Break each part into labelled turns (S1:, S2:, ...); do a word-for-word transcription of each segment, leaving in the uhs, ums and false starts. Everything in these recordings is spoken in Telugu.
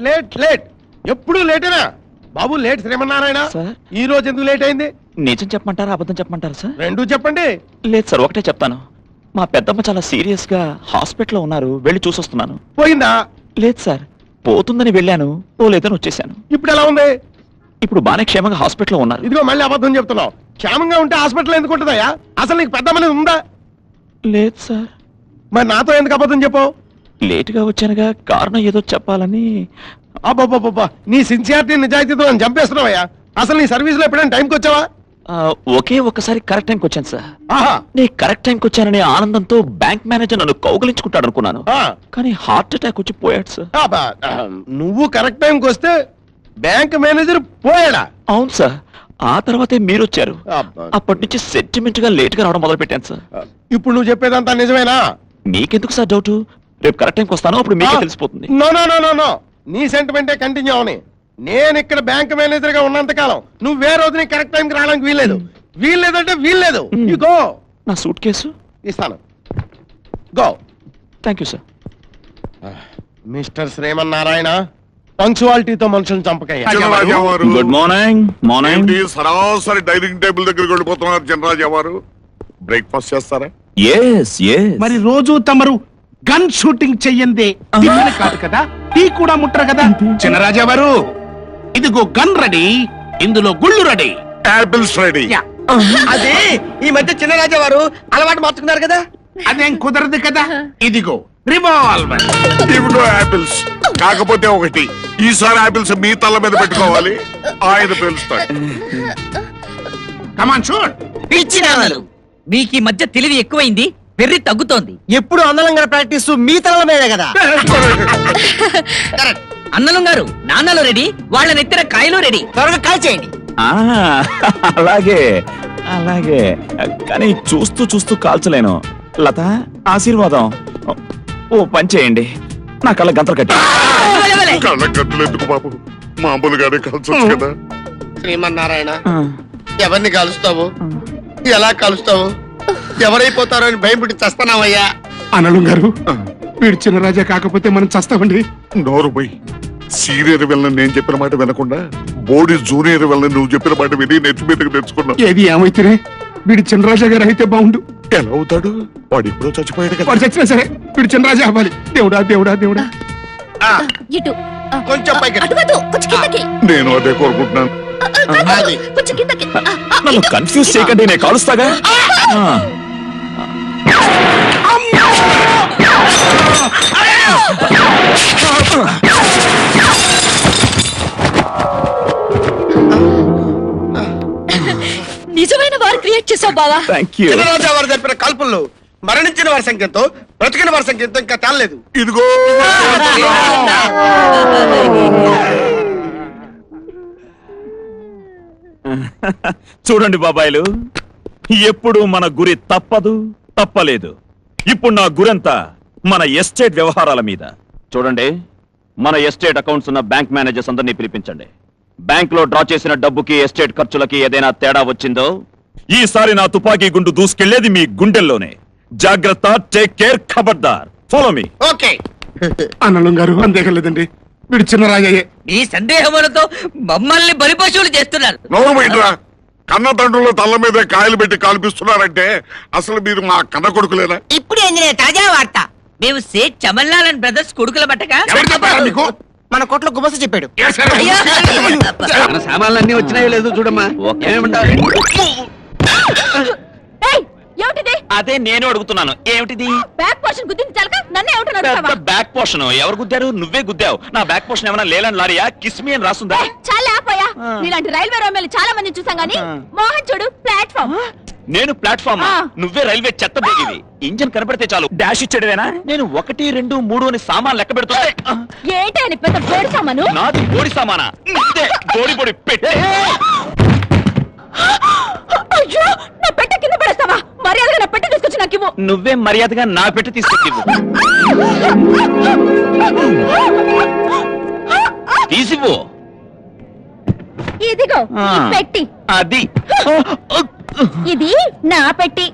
S1: లేట్ లేట్ ఎప్పుడు లేటేనా బాబు? లేట్ శ్రీమన్నారాయణ. ఈ రోజు ఎందుకు లేట్ అయింది?
S2: నిజం చెప్పమంటారా అబద్ధం చెప్పమంటారా సార్?
S1: రెండూ చెప్పండి.
S2: లేదు సార్, ఒకటే చెప్తాను. మా పెద్దమ్మ చాలా సీరియస్ గా హాస్పిటల్లో ఉన్నారు, వెళ్ళి చూసొస్తున్నాను.
S1: పోయిందా?
S2: లేదు సార్, పోతుందని వెళ్ళాను, పోలేదని వచ్చేసాను.
S1: ఇప్పుడు ఎలా ఉంది?
S2: ఇప్పుడు బానే క్షేమంగా హాస్పిటల్లో ఉన్నారు.
S1: ఇదిగో మళ్ళీ అబద్ధం చెప్తున్నావు. క్షేమంగా ఉంటే హాస్పిటల్ ఎందుకు ఉంటుందయ్యా? అసలు నీకు పెద్దమ్మని ఉందా?
S2: లేదు సార్.
S1: మరి నాతో ఎందుకు అబద్ధం చెప్పావు?
S2: లేటుగా వచ్చానుగా, కారణం ఏదో చెప్పాలని.
S1: అబ్బాబ్బాబ్బా, నీ సిన్సియారిటీ నిజాయితీతో నన్ను చంపేస్తున్నావయ్యా. అసలు నీ సర్వీస్ లో ఎప్పుడైనా టైంకి వచ్చావా?
S2: ఒకే ఒక్కసారి కరెక్ట్ టైంకి వచ్చాను సార్.
S1: ఆహా,
S2: నీ కరెక్ట్ టైంకి వచ్చాననే ఆనందంతో బ్యాంక్ మేనేజర్ నన్ను కౌగిలించుకుంటాడు అనుకున్నాను, కానీ హార్ట్ అటాక్ వచ్చి పోయాడు సార్.
S1: నువ్వు కరెక్ట్ టైంకి వస్తే బ్యాంక్ మేనేజర్ పోయాడా?
S2: అవును సార్. ఆ తర్వాతే మీరు వచ్చారు. అప్పటి నుంచి సెంటిమెంట్ గా లేట్ గా రావడం మొదలు పెట్టాను సార్.
S1: ఇప్పుడు నువ్వు చెప్పేదంతా నిజమేనా?
S2: మీకెందుకు సార్ డౌట్? రేపు కరెక్ట్ టైంకి వస్తాను, అప్పుడు మీకే తెలిసిపోతుంది.
S1: No no no no no నీ సెంటిమెంటే కంటిన్యూ అవని. నేను ఇక్కడ బ్యాంక్ మేనేజర్ గా ఉన్నంత కాలం నువ్వు వేరే రోజు నీ కరెక్ట్ టైంకి రావడానికి వీల్లేదు. వీల్లేదంటే వీల్లేదు. You go.
S2: నా సూట్ కేసు
S1: ఇస్తాను. Go.
S2: Thank you sir.
S1: Mister Srimannarayana, పంక్చువాలిటీతో మనుషులను చంపకయ్యా.
S2: Good morning. మార్నింగ్.
S3: సరాసరి డైనింగ్ టేబుల్ దగ్గరికి వెళ్ళిపోతున్నారు చినరాజా వారు. బ్రేక్ఫాస్ట్ చేస్తారా?
S2: Yes yes.
S4: మరి రోజు తమరు గన్ షూటింగ్ చెయ్యందే టిఫిన్ కాదు కదా, టీ కూడా ముట్టరు కదా. చినరాజా వారు, ఇదిగో గన్ రెడీ, ఇందులో గుళ్ళు రెడీ,
S3: యాపిల్స్ రెడీ.
S5: అదే ఈ మధ్య చిన్నరాజా వారు అలవాటు మార్చుకున్నారు కదా.
S4: అదేం కుదరదు కదా. ఇదిగో రివాల్వర్,
S3: ఇవిగో యాపిల్స్. కాకపోతే ఒకటి, ఈసారి యాపిల్స్ మీ తల మీద పెట్టుకోవాలి, ఆయన పేలుస్తాడు.
S4: Come on shoot.
S5: పిచ్చినాలు,
S6: మీకు ఈ మధ్య తెలివి ఎక్కువైంది, వెర్రి తగ్గుతోంది.
S5: ఎప్పుడు అన్నలంగా ప్రాక్టీస్ మీ తల మీదే కదా.
S6: అన్నలం గారు, నాన్నలు రెడీ, వాళ్ళ నెత్తిన కాయలు రెడీ.
S5: త్వరగా కాల్ చేయండి.
S2: అలాగే అలాగే, కానీ చూస్తూ చూస్తూ కాల్చలేను. లత, ఆశీర్వాదం. ఓ పని చేయండి, నా కళ్ళ గంతలు కట్టి.
S3: కళ్ళ గంతులు ఎందుకు బాబు, మామూలుగానే కాల్చొచ్చు కదా.
S1: శ్రీమన్నారాయణ, ఎవరిని కలుస్తావు, ఎలా కలుస్తావు, ఎవరైపోతారో అని భయం పుట్టి చస్తున్నావయ్యా.
S4: అనలు గారు, వీడు చిన్నరాజా కాకపోతే మనం చస్తామండి.
S3: నోరు పోయి. సీనియర్ వెళ్ళని నేను చెప్పిన మాట వినకుండా బోడి జూనియర్ వెళ్ళని నువ్వు చెప్పిన మాట విని నెత్తి మీదకి తెచ్చుకున్నావు.
S4: ఏది ఏమైతేనే వీడు చిన్నరాజా గారు అయితే బాగుండు.
S3: ఎలా అవుతాడు? వాడు ఎప్పుడో చచ్చిపోయాడు కదా.
S4: వాడు చచ్చినా సరే వీడు చిన్నరాజా అవ్వాలి. దేవుడా దేవుడా దేవుడా.
S7: ఇటు
S1: కొంచెం పైకి.
S7: కొంచెం కిందకి.
S3: నేను అదే కోరుకుంటున్నాను.
S7: కొంచెం కిందకి.
S2: నన్ను కన్ఫ్యూజ్ చేయకండి, నేను కాలుస్తాగా.
S7: నిజమైన వారు క్రియేట్ చేసావు బావా.
S1: చిన్నరాజా వారు జరిపిన కాల్పుల్లో మరణించిన వారి సంఖ్యతో బ్రతికిన వారి సంఖ్యతో ఇంకా తేలలేదు.
S3: ఇదిగో
S2: చూడండి బాబాయిలు, ఎప్పుడు మన గురి తప్పదు, తప్పలేదు. ఇప్పుడు నా గురంతా మన ఎస్టేట్ వ్యవహారాల మీద. చూడండి, మన ఎస్టేట్ అకౌంట్స్ ఉన్న బ్యాంక్ మేనేజర్స్ అందరినీ పిలిపించండి. బ్యాంక్ లో డ్రా చేసిన డబ్బుకి ఎస్టేట్ ఖర్చులకి ఏదైనా తేడా వచ్చిందో ఈసారి నా తుపాకీ గుండు దూసుకెళ్లేది మీ గుండెల్లోనే. జాగ్రత్త, టేక్ కేర్, ఖబర్దార్. Follow me.
S1: ఓకే.
S4: అనలు గారు, అంతేకలేదండి, వీడు చిన్నరాజాయే.
S6: ఈ సందేహములతో మమ్మల్ని బలిపశువులు చేస్తున్నారు.
S3: నోరు బయటరా. కన్న తండ్రుల తల్ల మీద కాయలు పెట్టి కాల్పిస్తున్నారంటే అసలు మీరు మా కన్న కొడుకులేనా?
S6: ఇప్పుడు ఏంది తాజా వార్త, మేము సేట్ చమల్లాల్ బ్రదర్స్ కొడుకుల బట్టగా
S4: ఎవరు చెప్పారా మీకు?
S5: మన కోట్లో గుమస చెప్పాడు.
S1: మన సామాన్లన్నీ వచ్చినాయో లేదో చూడమ్మా.
S7: ఏమిటిది?
S2: అదే నేను అడుగుతున్నాను, ఏమిటిది?
S7: బ్యాక్ పోర్షన్ గుద్దింది చాలక నన్ను ఏమిటన్నాడు?
S2: బ్యాక్ పోర్షన్ ఎవరు గుద్దారు? నువ్వే గుద్దావు. నా బ్యాక్ పోర్షన్ ఏమైనా లేలని లారియా? కిస్మి అని రాస్తుందా?
S7: చాలా ఆపోయా. ఇలాంటి రైల్వే రోమేలు చాలా మంది చూసాం గానీ మోహన్ చూడు ప్లాట్ఫామ్.
S2: నేను ప్లాట్ఫామ్, నువ్వే రైల్వే చెత్త బోగివి. ఇంజన్ కనబడితే చాలు డాష్ ఇచ్చాడువేనా? నేను ఒకటి రెండు మూడు అని సామాన్ లెక్క పెడుతున్నా.
S7: ఏంటి అని పెద్ద బోడి సామాను?
S2: నాది బోడి సామానా? బోడి బోడి పెట్టే.
S7: అయ్యో, నా పెట్టె కింద పడేస్తావా? మర్యాదగా నా పెట్టె తీసుకొచ్చి నాకు ఇవ్వు.
S2: నువ్వే మర్యాదగా నా పెట్టి తీసుకొచ్చి తీసివ్వు.
S7: ఇదిగో ఈ పెట్టి.
S2: అది
S7: ఇది నా పెట్టి.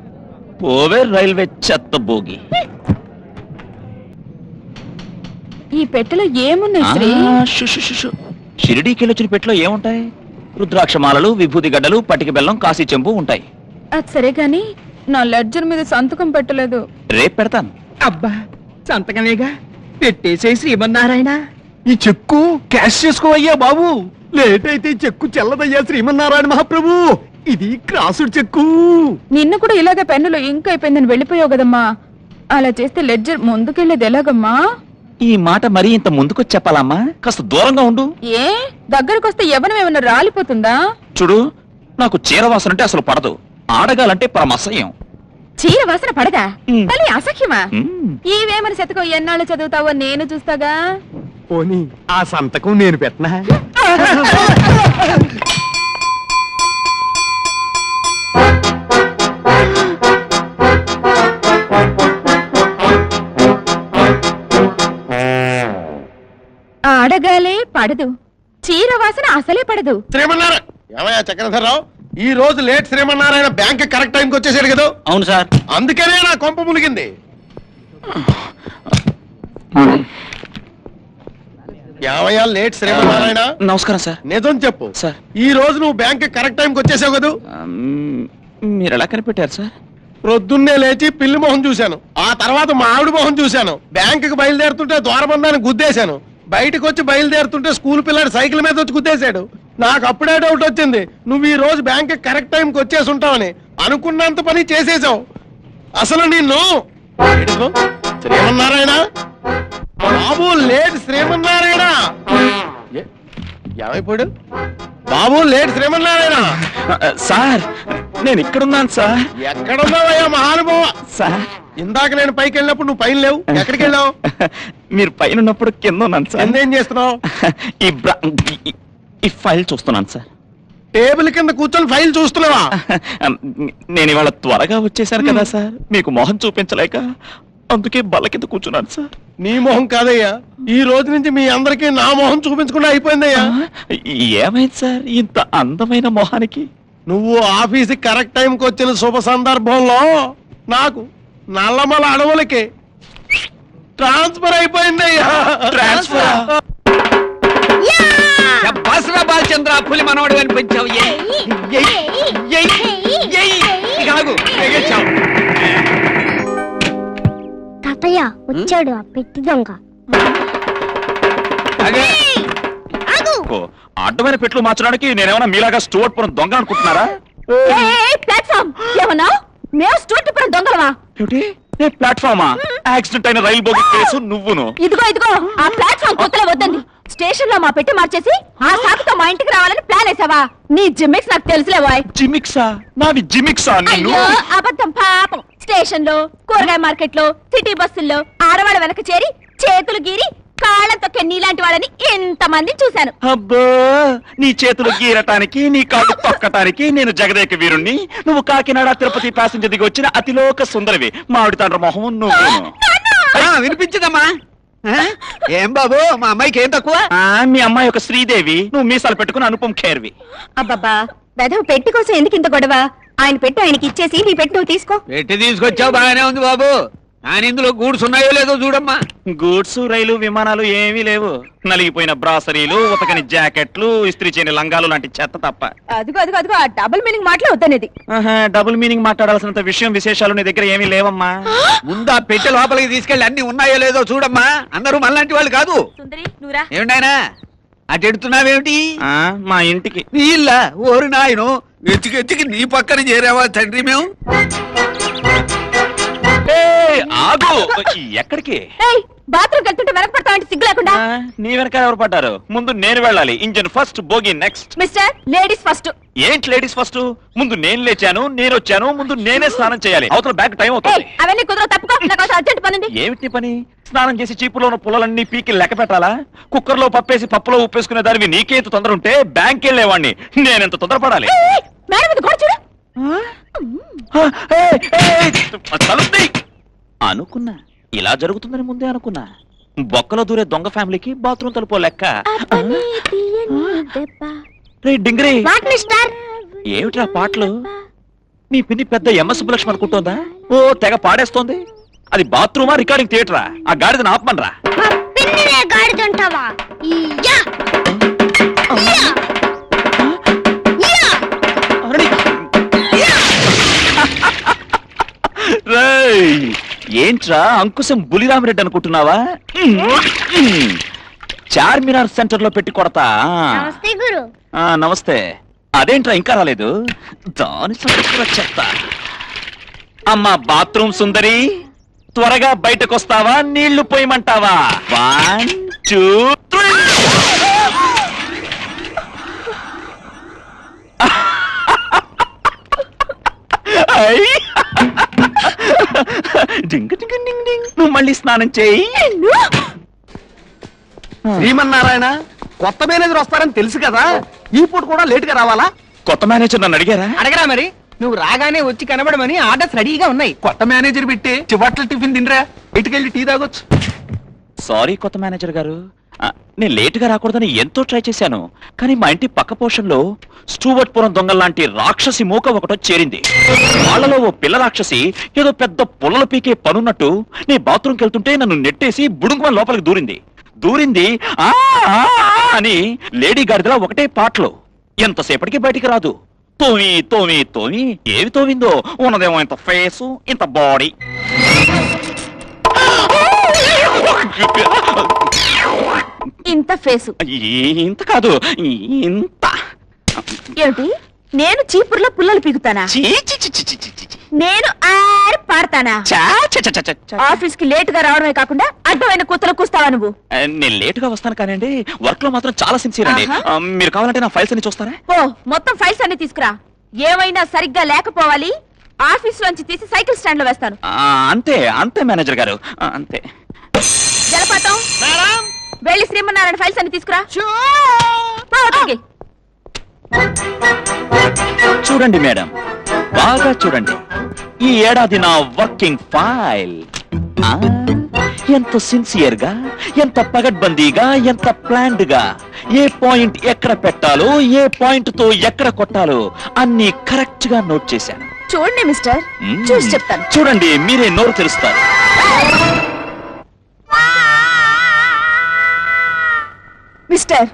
S2: పోవే రైల్వే చెత్త బోగి.
S7: ఈ పెట్టెలో ఏమున్నాయి శ్రీ
S2: ఆ, షు, షు, షు, షు. షిరిడీకి వెళ్ళొచ్చిన పెట్లో ఏముంటాయి? రుద్రాక్షమాలలు, విభూతి గడ్డలు, పటిక బెల్లం, కాశీ చెంబు ఉంటాయి.
S7: అది సరే గాని నా లెడ్జర్ మీద సంతకం పెట్టలేదు.
S2: రేపు పెడతాను.
S5: అబ్బా సంతకమేగా పెట్టేసే శ్రీమన్నారాయణ.
S1: ఈ చెక్కు క్యాష్ చేసుకోవయ్యా బాబు. లేట్ అయితే ఈ చెక్కు చెల్లదయ్యా శ్రీమన్నారాయణ మహాప్రభు. ఇది క్రాసుడ్ చెక్కు.
S7: నిన్న కూడా ఇలాగే పెన్నులో ఇంక్ అయిపోయిందని వెళ్ళిపోయావు కదమ్మా. అలా చేస్తే లెడ్జర్ ముందుకెళ్ళేది ఎలాగమ్మా?
S2: ఈ మాట మరీ ఇంత ముందుకొచ్చి చెప్పాలమ్మా? కాస్త దూరంగా ఉండు.
S7: ఏ దగ్గరకు వస్తే ఎవరం ఏమన్నా రాలిపోతుందా?
S2: చూడు, నాకు చీరవాసన అంటే అసలు పడదు. ఆడగాలంటే పరమసహ్యం.
S7: చీర వాసన పడదా?
S2: మ్.
S7: మళ్ళీ అసఖ్యమా?
S2: మ్.
S7: ఈవేమని శతకం ఎన్నాళ్ళు చదువుతావో నేను చూస్తాగా.
S1: పోనీ ఆ సంతకం నేను పెట్టనా?
S7: ఆడగాలే పడదు, చీర వాసన అసలే పడదు.
S1: శ్రీమన్నారాయణ ఏమయ్యా చక్రధరరావు, ఈ రోజు లేట్ శ్రీమన్నారాయణ బ్యాంక్ కరెక్ట్ టైంకి వచ్చేసాడు కదా.
S5: అవును సార్.
S1: అందుకనే నా కొంప ములిగింది. ఏమయ్యా లేట్ శ్రీమన్నారాయణ?
S2: నమస్కారం సార్.
S1: నిజం చెప్పు
S2: సార్.
S1: ఈ రోజు నువ్వు బ్యాంక్ కరెక్ట్ టైంకి వచ్చేసావు కదా.
S2: మ్, మీరు ఎలా కనిపెట్టారు సార్?
S1: ప్రొద్దున్నే లేచి పిల్లి మొహం చూశాను, ఆ తర్వాత మా ఆవిడ మొహం చూశాను. బ్యాంకుకి బయలుదేరుతుంటే ద్వారబంధాన్ని గుద్దేశాను. బయటకు వచ్చి బయలుదేరుతుంటే స్కూల్ పిల్లాడు సైకిల్ మీద వచ్చి గుద్దేశాడు. నాకు అప్పుడే డౌట్ వచ్చింది, నువ్వు ఈ రోజు బ్యాంక్ కరెక్ట్ టైంకి వచ్చేసి ఉంటావని. అనుకున్నంత పని చేసేసావు. అసలు నిన్ను ఏడుకో. శ్రీమన్నారాయణ బాబు, లేట్ శ్రీమన్నారాయణ. ఏ- ఏమైపోయాడు బాబు? లేట్ శ్రీమన్నారాయణ.
S2: సార్, నేను ఇక్కడున్నాను సార్.
S1: ఎక్కడున్నావయ్యా మహానుభావ?
S2: సార్,
S1: ఇందాక నేను పైకి వెళ్ళినప్పుడు నువ్వు పైన లేవు. ఎక్కడికి వెళ్ళావు?
S2: మీరు పైన ఉన్నప్పుడు కింద ఉన్నాను సార్.
S1: ఎందేం చేస్తున్నావు?
S2: ఈ బ్ర- ఈ- ఈ ఫైల్ చూస్తున్నాను సార్.
S1: టేబుల్ కింద కూర్చొని ఫైల్ చూస్తున్నావా?
S2: నేను ఇవాళ త్వరగా వచ్చేసాను కదా సార్, మీకు మొహం చూపించలేక అందుకే బల్ల కింద కూర్చున్నాను సార్.
S1: నీ మొహం కాదయ్యా, ఈ రోజు నుంచి మీ అందరికీ నా మొహం చూపించకుండా అయిపోయిందయ్యా.
S2: ఏమైంది సార్ ఇంత అందమైన మొహానికి?
S1: నువ్వు ఆఫీస్కి కరెక్ట్ టైంకి వచ్చిన శుభ సందర్భంలో నాకు నల్లమల అడవులకి ట్రాన్స్ఫర్ అయిపోయిందయ్యా.
S2: ట్రాన్స్ఫర్?
S5: బసరా బాలచంద్ర పులి మనవడు అనిపించావు.
S8: తాతయ్య వచ్చాడు ఆ పెట్టి దొంగ.
S2: ఓ, అడ్డమైన పెట్లు మార్చడానికి నేనేమన్నా మీలాగా స్టోర్ పురం దొంగ అనుకుంటున్నారా?
S7: ప్లాట్ఫామ్ ఏమన్నా? మేము స్టూడెంట్ దొంగలవా?
S2: ఏమిటి? ఏ ప్లాట్ఫామా? యాక్సిడెంట్ అయిన రైలు బోగి కేసు నువ్వును.
S7: ఇదిగో ఇదిగో ఆ ప్లాట్ఫామ్ కొత్తలో వద్దండి. స్టేషన్ లో మా పెట్టి మార్చేసి ఆ సాకుతో మా ఇంటికి రావాలని ప్లాన్ వేసావా? నీ జిమ్మిక్స్ నాకు తెలుసులే బాయ్.
S2: జిమిక్సా? నాది జిమిక్సా? నిన్ను
S7: అయ్యో అబద్ధం పాపం. స్టేషన్ లో, కూరగాయ మార్కెట్ లో, సిటీ బస్సుల్లో ఆడవాళ్ళ వెనక చేరి చేతులు గీరి కాళ్ళ తొక్కే నీలాంటి వాళ్ళని ఎంత మంది చూశాను.
S2: అబ్బో, నీ చేతులు గీరటానికి నీ కాళ్ళు తొక్కటానికి నేను జగదేక వీరుణ్ణి, నువ్వు కాకినాడ తిరుపతి ప్యాసింజర్ దిగి వచ్చిన అతిలోక సుందరివి. మామిడి తండ్రి మొహం నువ్వు.
S5: వినిపించదమ్మా? ఏం బాబు, మా అమ్మాయికి ఏం తక్కువ?
S2: మీ అమ్మాయి ఒక శ్రీదేవి, నువ్వు మీసాలు పెట్టుకుని అనుపం ఖేర్వి.
S7: అబ్బబ్బా వెధవ పెట్టి కోసం ఎందుకు ఇంత గొడవ? ఆయన పెట్టి ఆయనకి ఇచ్చేసి నీ పెట్టి నువ్వు తీసుకో.
S5: పెట్టి తీసుకొచ్చావు బాగానే ఉంది బాబు, కానీ ఇందులో గూడ్స్ ఉన్నాయో లేదో చూడమ్మా.
S2: గూడ్స్, రైలు, విమానాలు ఏమీ లేవు. నలిగిపోయిన బ్రాసరీలు, ఉతకని జాకెట్లు, ఇస్త్రీ చేయని లంగాలు లాంటి చెత్త తప్ప.
S7: అదిగో అదిగో అదిగో ఆ డబుల్ మీనింగ్ మాటలు వద్దనేది.
S2: ఆహా, డబుల్ మీనింగ్ మాట్లాడాల్సినంత విషయం విశేషాలు నీ దగ్గర ఏమీ లేవమ్మా.
S5: ముందు ఆ పెట్టె లోపలికి తీసుకెళ్ళి అన్ని ఉన్నాయో లేదో చూడమ్మా. అందరూ మనలాంటి వాళ్ళు కాదు.
S7: సుందరి నువ్వురా.
S5: ఏమిటాయనా అటు ఎడుతున్నావేమిటి?
S2: ఆ, మా ఇంటికి.
S5: నీళ్ళ ఓరి నాయను, ఎత్తికి ఎత్తికి నీ పక్కన చేరావా తండ్రి మేము?
S2: ఏయ్, ఆగు. ఎక్కడికి?
S7: ఏయ్ బాత్రూమ్ వెళ్తుంటే వెనక పడతావంటే సిగ్గు లేకుండా.
S2: ఆ, నీ వెనక ఎవరు పడ్డారు? ముందు నేను వెళ్ళాలి. Engine first, bogie next.
S7: Mister ladies first.
S2: ఏంటి లేడీస్ ఫస్ట్? ముందు నేను లేచాను, నేను వచ్చాను, ముందు నేనే స్నానం చేయాలి. అవతల బ్యాక్ టైం
S7: ఏయ్
S2: అవుతుంది.
S7: అవన్నీ కుదరవు, తప్పుకో. నాకు అవసరం అర్జెంట్ పని ఉంది.
S2: ఏమిటి నీ పని? స్నానం చేసి చీపులో ఉన్న పుల్లలన్నీ పీకి లెక్క పెట్టాలా? కుక్కర్ లో పప్పేసి పప్పులో ఉప్పేసుకునే దానివి నీకేంత తొందర ఉంటే బ్యాంక్ వెళ్ళేవాడిని నేనెంత తొందరపడాలి?
S7: ఏయ్, మేడం మీద గోడ చూడు.
S2: ఆ, ఏయ్, ఏయ్, తలుపు తీయ్. అనుకున్నా ఇలా జరుగుతుందని ముందే అనుకున్నా. బొక్కలో దూరే దొంగ ఫ్యామిలీకి బాత్రూమ్ తలుపో లెక్క.
S7: అబ్బని తీయని దెబ్బ.
S2: రే డింగిరి,
S8: వాట్ మిస్టర్?
S2: ఏమిట్రా పాటలు? నీ పిన్ని పెద్ద ఎంఎస్ సుబ్బలక్ష్మి అనుకుంటోందా? ఓ తెగ పాడేస్తోంది. అది బాత్రూమా రికార్డింగ్ థియేటరా? ఆ గాడిదని ఆపమనరా.
S8: పిన్ని నువ్వే గాడిదంటావా ఇయ్యా ఇయ్యా ఇయ్యా
S2: రేయ్, ఏంట్రా అంకుశం బులిరామిరెడ్డి అనుకుంటున్నావా? చార్మినార్ సెంటర్ లో పెట్టి కొడతా.
S8: నమస్తే గురు.
S2: ఆ, నమస్తే. అదేంట్రా ఇంకా రాలేదు? దాని సంగతి కూడా చెప్తా. అమ్మా బాత్రూమ్ సుందరి, త్వరగా బయటకొస్తావా? నీళ్లు పోయమంటావా? One two three. డింగ్ డింగ్ డింగ్ డింగ్. నువ్వు మళ్ళీ స్నానం చేయి.
S5: శ్రీమన్నారాయణ, కొత్త మేనేజర్ వస్తారని తెలుసు కదా, ఈ పూట కూడా లేట్ గా రావాలా?
S2: కొత్త మేనేజర్ నన్ను అడిగారా?
S6: అడగరా మరి. నువ్వు రాగానే వచ్చి కనబడమని ఆర్డర్స్ రెడీగా ఉన్నాయి.
S5: కొత్త మేనేజర్ పెట్టి చివట్ల టిఫిన్ తినరా, ఇటుకెళ్ళి టీ తాగొచ్చు.
S2: సారీ కొత్త మేనేజర్ గారు, ఆ, నేను లేటుగా రాకూడదని ఎంతో ట్రై చేశాను. కానీ మా ఇంటి పక్క పోర్షన్లో స్టూవర్ట్పురం దొంగల్లాంటి రాక్షసి మూక ఒకటో చేరింది. వాళ్ళలో ఓ పిల్ల రాక్షసి ఏదో పెద్ద పుల్లలు పీకే పనున్నట్టు నీ బాత్రూమ్కి వెళ్తుంటే నన్ను నెట్టేసి బుడుంగుమని లోపలికి దూరింది. దూరింది ఆ ఆ, ఆ అని లేడీ గాడిదలా ఒకటే పాటలు. ఎంతసేపటికి బయటికి రాదు. తోమి తోమి తోమి ఏవి తోమిందో, ఉన్నదేమో ఇంత ఫేసు, ఇంత బాడీ.
S7: ఇంత ఫేసు
S2: ఇంత కాదు, ఇంత.
S7: ఏమిటి? నేను చీపుర్లో పుల్లలు పీకుతానా?
S2: చీ, చీ, చీ, చీ, చీ, చీ, చీ.
S7: నేను ఆరి పాడతానా?
S2: చా, చా, చా, చా, చా, చా.
S7: ఆఫీస్ కి లేట్ గా రావడమే కాకుండా అడ్డమైన కూతలు కూస్తావా నువ్వు?
S2: ఆ, నేను లేటుగా వస్తాను కానండి, వర్క్ లో మాత్రం చాలా సిన్సియర్ అండి.
S7: ఆహా.
S2: ఆ, మీరు కావాలంటే నా ఫైల్స్ అన్ని చూస్తారా?
S7: ఓ, మొత్తం ఫైల్స్ అన్ని తీసుకురా. ఏమైనా సరిగ్గా లేకపోవాలి. ఆఫీస్ లోంచి తీసి సైకిల్ స్టాండ్ లో వేస్తాను.
S2: ఆ, అంతే అంతే మేనేజర్ గారు, ఆ, అంతే.
S7: జలపాతం, వెళ్ళి శ్రీమన్నారాయణ ఫైల్స్ అన్ని తీసుకురా. పో, అవతలికి.
S2: చూడండి మేడం, బాగా చూడండి. ఈ ఏడాది నా వర్కింగ్ ఫైల్ ఆ, ఎంత సిన్సియర్ గా, ఎంత పగడ్బందీగా, ఎంత ప్లాన్డ్ గా, ఏ పాయింట్ ఎక్కడ పెట్టాలో, ఏ పాయింట్ తో ఎక్కడ కొట్టాలో అన్ని కరెక్ట్ గా నోట్ చేశాను.
S7: చూడండి మిస్టర్,
S2: మ్మ్.
S7: చూసి చెప్తాను.
S2: చూడండి, మీరే నోరు తెరుస్తారు.
S7: మిస్టర్,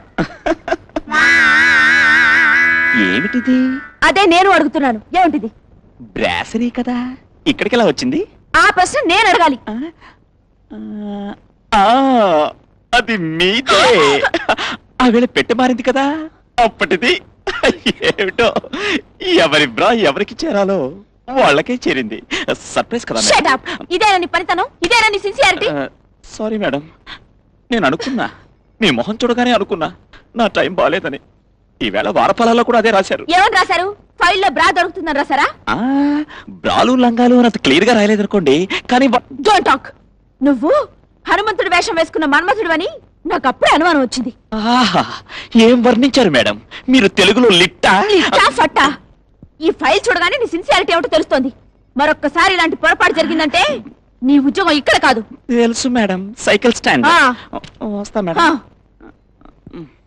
S2: ఏమిటిది?
S7: అదే నేను అడుగుతున్నాను. ఏమిటిది?
S2: బ్రాసరీ కదా, ఇక్కడికి ఎలా వచ్చింది?
S7: ఆ ప్రశ్న నేను అడగాలి.
S2: ఆ, ఆ, అది మీదే. ఆ వేళ పెట్టె మారింది కదా, అప్పటిది. ఏమిటో, ఎవరి బ్రా ఎవరికి చేరాలో వాళ్ళకే చేరింది. సర్ప్రైజ్ కదా
S7: Shut up. ఇదేనా నీ పనితనం? ఇదేనా నీ సిన్సియారిటీ?
S2: సారీ మేడం, నేను అనుకున్నా, మీ మొహం చూడగానే అనుకున్నా నా టైం బాగాలేదని. ఈవేళ వారఫలాల్లో కూడా అదే రాశారు.
S7: ఏమని రాశారు? ఫైల్లో బ్రా దొరుకుతుందని రాశారా?
S2: ఆ, బ్రాలు లంగాలు అని అంత క్లియర్ గా రాయలేదనుకోండి, కానీ వ-
S7: డోంట్ టాక్. నువ్వు హనుమంతుడి వేషం వేసుకున్న మన్మథుడు అని నాకు అప్పుడే అనుమానం వచ్చింది.
S2: ఆహా, ఏం వర్ణించారు మేడం, మీరు తెలుగులో లిట్టా?
S7: లిట్టా ఫట్టా? ఈ ఫైల్ చూడగానే నీ సిన్సియారిటీ ఏమిటో తెలుస్తోంది. మరొక్కసారి ఇలాంటి పొరపాటు జరిగిందంటే నీ ఉద్యోగం ఇక్కడ కాదు.
S2: తెలుసు మేడం, సైకిల్ స్టాండ్.
S7: ఆ.
S2: వస్తా మేడం.
S7: ఆ.